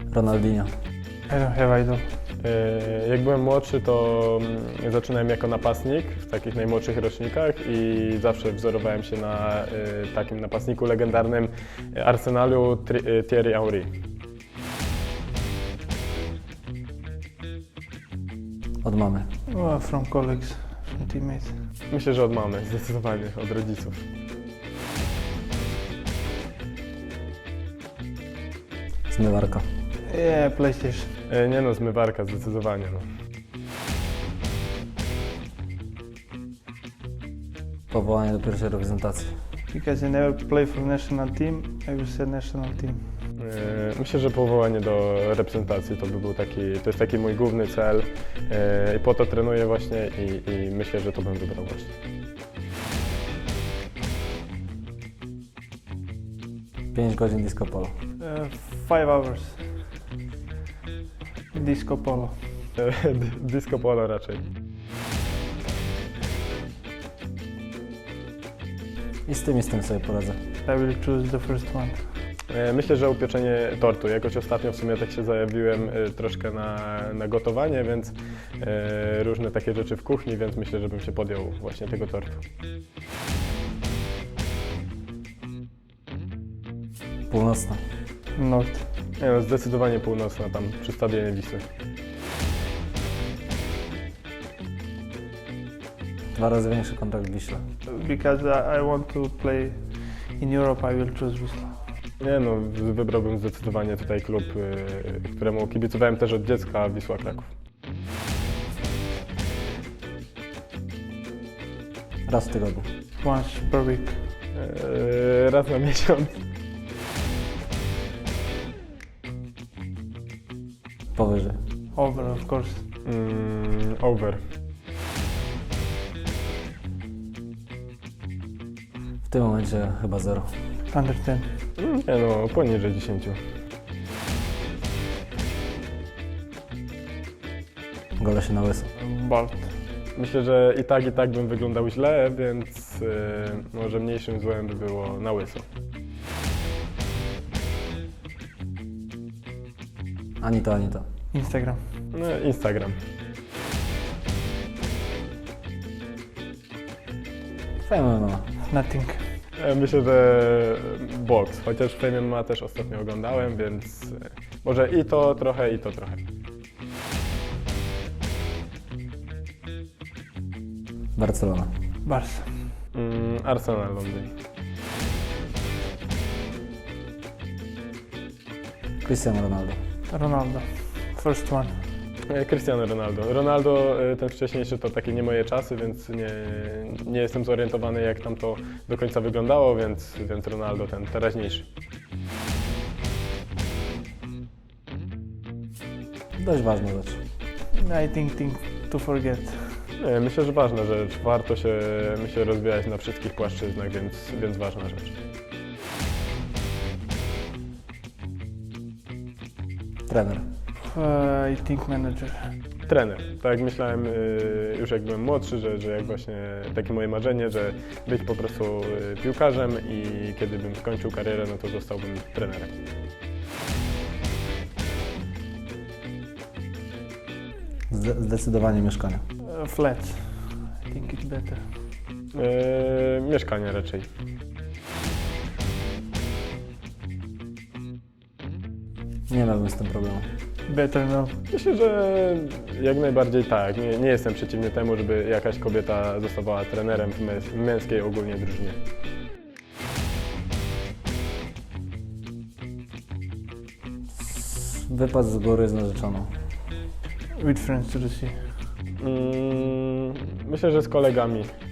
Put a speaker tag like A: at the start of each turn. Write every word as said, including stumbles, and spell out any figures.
A: Ronaldinho.
B: I don't have idol.
C: E, Jak byłem młodszy, to mm, zaczynałem jako napastnik w takich najmłodszych rocznikach i zawsze wzorowałem się na e, takim napastniku legendarnym Arsenalu Tri- e, Thierry Henry.
A: Od mamy.
B: Oh, from colleagues, from teammates.
C: Myślę, że od mamy, zdecydowanie, od rodziców.
A: Zmywarka.
B: Yeah, PlayStation.
C: E, Nie no, zmywarka, zdecydowanie. No.
A: Powołanie do pierwszej reprezentacji.
B: Because I never play for national team, I will say national team.
C: E, Myślę, że powołanie do reprezentacji to by był taki, to jest taki mój główny cel e, i po to trenuję właśnie i, i myślę, że to bym wybrał właśnie.
A: pięć godzin disco polo.
B: Uh, five hours. Disco polo.
C: E, d- Disco polo raczej.
A: I z tym i z tym sobie poradzę.
B: I will choose the first one.
C: E, Myślę, że upieczenie tortu. Jakoś ostatnio w sumie tak się zajawiłem e, troszkę na, na gotowanie, więc e, różne takie rzeczy w kuchni, więc myślę, że bym się podjął właśnie tego tortu.
A: Północna.
B: North.
C: Nie no, zdecydowanie północna, tam przy stadionie Wisły.
A: Dwa razy większy kontrakt w Wiśle.
B: Because I, I want to play in Europe, I will choose Wisla.
C: Nie no, wybrałbym zdecydowanie tutaj klub, e, któremu kibicowałem też od dziecka, Wisła Kraków.
A: Raz w tygodniu.
B: Once per week.
C: E, Raz na miesiąc.
A: Powyżej.
B: Over, of course.
C: Mm, over.
A: W tym momencie chyba zero.
B: Under ten.
C: Mm, Nie no, poniżej dziesięciu.
A: Gole się na łyso.
B: Bald.
C: Myślę, że i tak, i tak bym wyglądał źle, więc e, może mniejszym złem by było na łyso.
A: Ani to, ani to.
B: Instagram.
C: No, Instagram.
A: Fajna mama.
B: Nothing.
C: E, Myślę, że boks, chociaż Fame M M A też ostatnio oglądałem, więc e, może i to trochę, i to trochę.
A: Barcelona.
B: Barca.
C: Mm, Arsenal Londyn.
A: Cristiano Ronaldo.
B: Ronaldo. First one.
C: E, Cristiano Ronaldo. Ronaldo, e, ten wcześniejszy to takie nie moje czasy, więc nie, nie jestem zorientowany jak tam to do końca wyglądało, więc, więc Ronaldo ten teraźniejszy.
A: Dość ważna rzecz.
B: I think thing to forget.
C: Nie, myślę, że ważna rzecz. Warto się, myślę, rozwijać na wszystkich płaszczyznach, więc, więc ważna rzecz.
A: Trener.
B: Uh, I think manager.
C: Trener. Tak jak myślałem y, już jak byłem młodszy, że, że jak właśnie takie moje marzenie, że być po prostu y, piłkarzem i kiedy bym skończył karierę, no to zostałbym trenerem.
A: Zde- zdecydowanie mieszkanie.
B: Uh, flat. I think it's better.
C: Y, mieszkanie raczej.
A: Nie miałbym z tym problemu.
B: Better no.
C: Myślę, że jak najbardziej tak. Nie, nie jestem przeciwny temu, żeby jakaś kobieta zostawała trenerem w męs- męskiej ogólnie drużynie.
A: Wypad z góry z narzeczoną.
B: With friends to the sea.
C: Mm, myślę, że z kolegami